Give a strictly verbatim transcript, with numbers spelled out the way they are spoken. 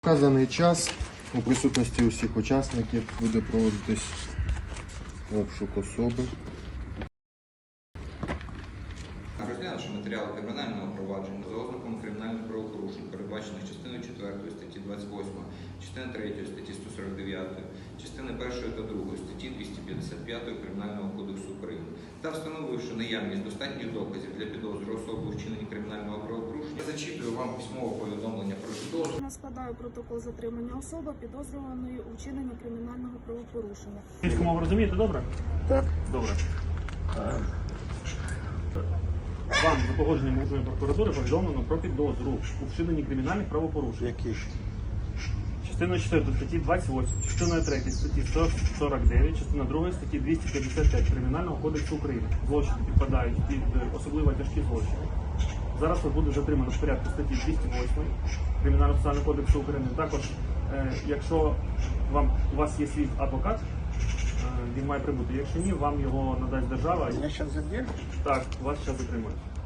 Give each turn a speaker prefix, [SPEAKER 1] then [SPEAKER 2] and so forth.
[SPEAKER 1] Вказаний час у присутності усіх учасників буде проводитись обшук особи.
[SPEAKER 2] Розглянувши матеріали кримінального провадження за ознаками кримінальних правопорушень, передбачених частиною четвертою статті двадцять восьмої, частиною третьою статті сто сорок дев'ятої, частиною першою та другою статті двісті п'ятдесят п'ятої Кримінального кодексу України, та встановивши наявність достатніх доказів для підозри особи у вчиненні кримінального правопорушення, я зачитую вам письмове повідомлення про підозру.
[SPEAKER 3] Я складаю протокол затримання особи, підозрюваної у вчиненні кримінального правопорушення.
[SPEAKER 4] Російську мову розумієте, добре?
[SPEAKER 3] Так.
[SPEAKER 4] Добре. Е, Вам за погодженням Окружної прокуратури повідомлено про підозру у вчиненні кримінальних правопорушень.
[SPEAKER 1] Які?
[SPEAKER 4] Частиною четвертої статті двадцять восьмої, частиною третьої статті сто сорок дев'ять, частиною другої статті двісті п'ятдесят п'ять Кримінального кодексу України. Злочини підпадають під особливо тяжкі злочини. Зараз ви буде затримано в порядку статті двісті восьмої Кримінального процесуального кодексу України. Також, е, якщо вам, у вас є свій адвокат, він має прибути. Якщо ні, вам його надасть держава.
[SPEAKER 1] Я зараз задержу.
[SPEAKER 4] Так, вас зараз затримують.